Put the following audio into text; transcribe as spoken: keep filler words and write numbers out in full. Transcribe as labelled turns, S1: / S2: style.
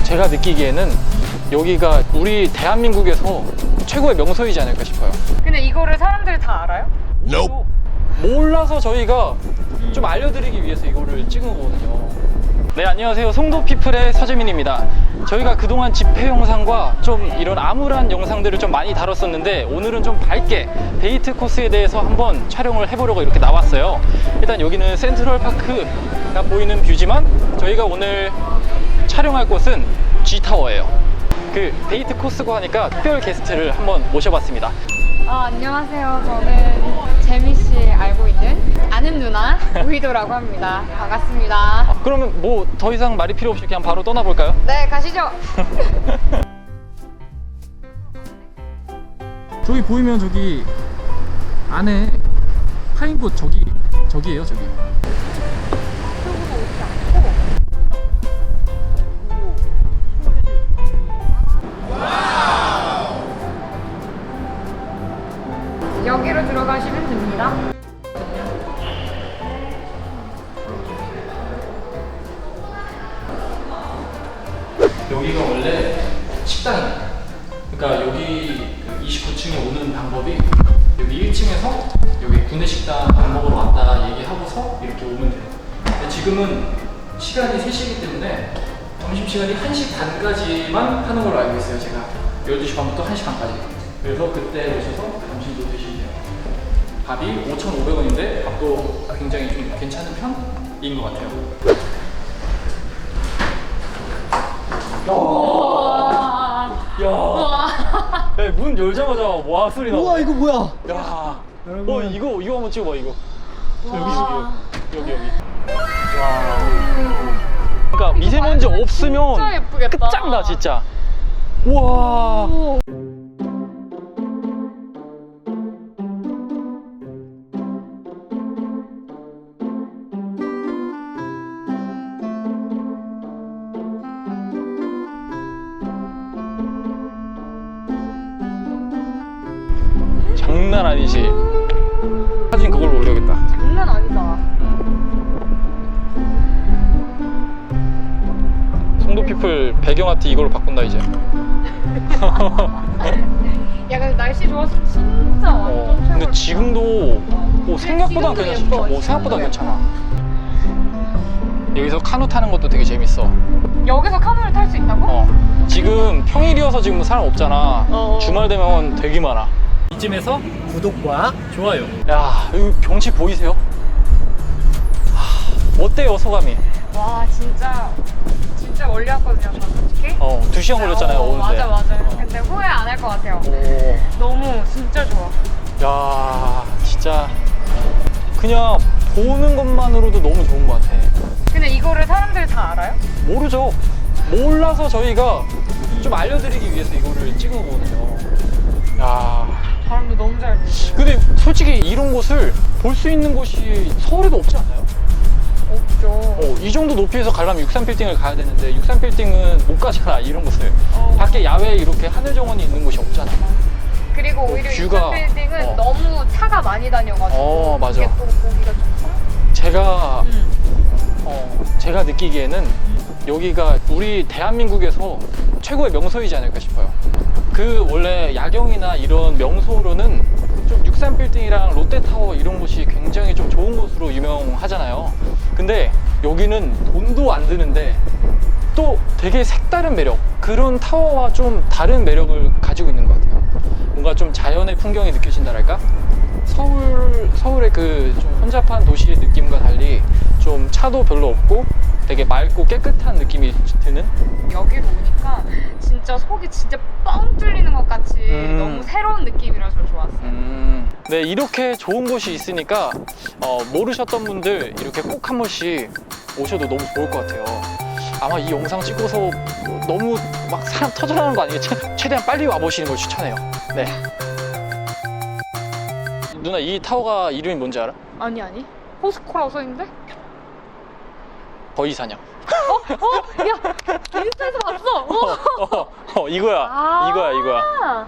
S1: 제가 느끼기에는 여기가 우리 대한민국에서 최고의 명소이지 않을까 싶어요.
S2: 근데 이거를 사람들이 다 알아요?
S1: Nope. 몰라서 저희가 좀 알려드리기 위해서 이거를 찍은 거거든요. 네, 안녕하세요. 송도피플의 서재민입니다. 저희가 그동안 집회 영상과 좀 이런 암울한 영상들을 좀 많이 다뤘었는데 오늘은 좀 밝게 데이트 코스에 대해서 한번 촬영을 해보려고 이렇게 나왔어요. 일단 여기는 센트럴파크가 보이는 뷰지만 저희가 오늘 촬영할 곳은 G타워예요. 그 데이트 코스고 하니까 특별 게스트를 한번 모셔봤습니다.
S2: 아, 안녕하세요. 저는 재미씨 알고 있는 아는 누나 우희도라고 합니다. 반갑습니다.
S1: 아, 그러면 뭐 더 이상 말이 필요 없이 그냥 바로 떠나볼까요?
S2: 네, 가시죠.
S1: 저기 보이면 저기 안에 파인꽃 저기 저기예요 저기.
S2: 여기로 들어가시면 됩니다.
S1: 여기가 원래 식당이에요. 그러니까 여기 이십구 층에 오는 방법이 여기 일 층에서 여기 구내식당 밥 먹으러 왔다 얘기하고서 이렇게 오면 돼요. 근데 지금은 시간이 세 시이기 때문에 점심시간이 한 시 반까지만 하는 걸로 알고 있어요. 제가 열두 시 반부터 한 시 반까지. 그래서 그때 오셔서 점심도 드시면 돼요. 밥이 오천오백 원인데 밥도 굉장히 좀 괜찮은 편인 것 같아요. 야, 야, 문 열자마자 와 소리 나.
S3: 우와, 이거 뭐야?
S1: 야,
S3: 여러분.
S1: 어 이거 이거 한번 찍어봐 이거. 여기 여기 여기 여기. 와. 그러니까 미세먼지 없으면
S2: 진짜 예쁘겠다.
S1: 끝장나 진짜. 우와. 장난 아니지. 사진 그걸로 올려야겠다.
S2: 장난 아니다.
S1: 송도피플 배경아트 이걸로 바꾼다 이제.
S2: 야, 근데 날씨 좋아서 진짜 완전
S1: 어,
S2: 최고.
S1: 근데 지금도 뭐 생각보다
S2: 지금도
S1: 괜찮아.
S2: 예뻐,
S1: 뭐 생각보다
S2: 지금도
S1: 괜찮아. 여기서 카누 타는 것도 되게 재밌어.
S2: 여기서 카누를 탈 수 있다고?
S1: 어. 지금 평일이어서 지금 사람 없잖아.
S2: 어.
S1: 주말 되면 되게 많아. 이쯤에서
S3: 구독과
S1: 좋아요. 야, 여기 경치 보이세요? 하, 어때요 소감이?
S2: 와, 진짜 진짜 멀리 왔거든요, 저 솔직히.
S1: 어, 두 시간 걸렸잖아요
S2: 어,
S1: 오는데.
S2: 맞아, 맞아.
S1: 어.
S2: 근데 후회 안 할 것 같아요.
S1: 오.
S2: 너무 진짜 좋아.
S1: 야, 진짜 그냥 보는 것만으로도 너무 좋은 것 같아.
S2: 근데 이거를 사람들이 다 알아요?
S1: 모르죠. 몰라서 저희가 좀 알려드리기 위해서 이거를 찍은 거거든요. 야,
S2: 바람도 너무 잘 불고.
S1: 근데 솔직히 이런 곳을 볼 수 있는 곳이 서울에도 없지 않나요?
S2: 없죠.
S1: 어, 이 정도 높이에서 가려면 육십삼 빌딩을 가야 되는데 육십삼 빌딩은 못 가잖아 이런 곳을.
S2: 어.
S1: 밖에 야외에 이렇게 하늘 정원이 있는 곳이 없잖아.
S2: 그리고 오히려
S1: 뷰가-
S2: 이 빌딩은
S1: 어.
S2: 너무 차가 많이 다녀가지고
S1: 어, 맞아.
S2: 이게 또 보기가 좋고.
S1: 제가
S2: 응.
S1: 어, 제가 느끼기에는 여기가 우리 대한민국에서 최고의 명소이지 않을까 싶어요. 그 원래 야경이나 이런 명소로는 좀 육십삼 빌딩이랑 롯데타워 이런 곳이 굉장히 좀 좋은 곳으로 유명하잖아요. 근데 여기는 돈도 안 드는데 또 되게 색다른 매력, 그런 타워와 좀 다른 매력을 가지고 있는 것 같아요. 뭔가 좀 자연의 풍경이 느껴진다랄까? 서울, 서울의 그 좀 혼잡한 도시의 느낌과 달리 좀 차도 별로 없고 되게 맑고 깨끗한 느낌이 드는?
S2: 여기로 오니까 진짜 속이 진짜 뻥 뚫리는 것 같이
S1: 음.
S2: 너무 새로운 느낌이라서 좋았어요.
S1: 음, 네, 이렇게 좋은 곳이 있으니까 어, 모르셨던 분들 이렇게 꼭 한 번씩 오셔도 너무 좋을 것 같아요. 아마 이 영상 찍고서 너무 막 사람 터져나오는 거 아니겠죠? 최대한 빨리 와보시는 걸 추천해요. 네. 누나, 이 타워가 이름이 뭔지 알아?
S2: 아니 아니 포스코라고 써있는데?
S1: 거위사냥.
S2: 어? 어? 야 인스타에서 봤어! 어.
S1: 어, 어, 어, 이거야.
S2: 아.
S1: 이거야, 이거야.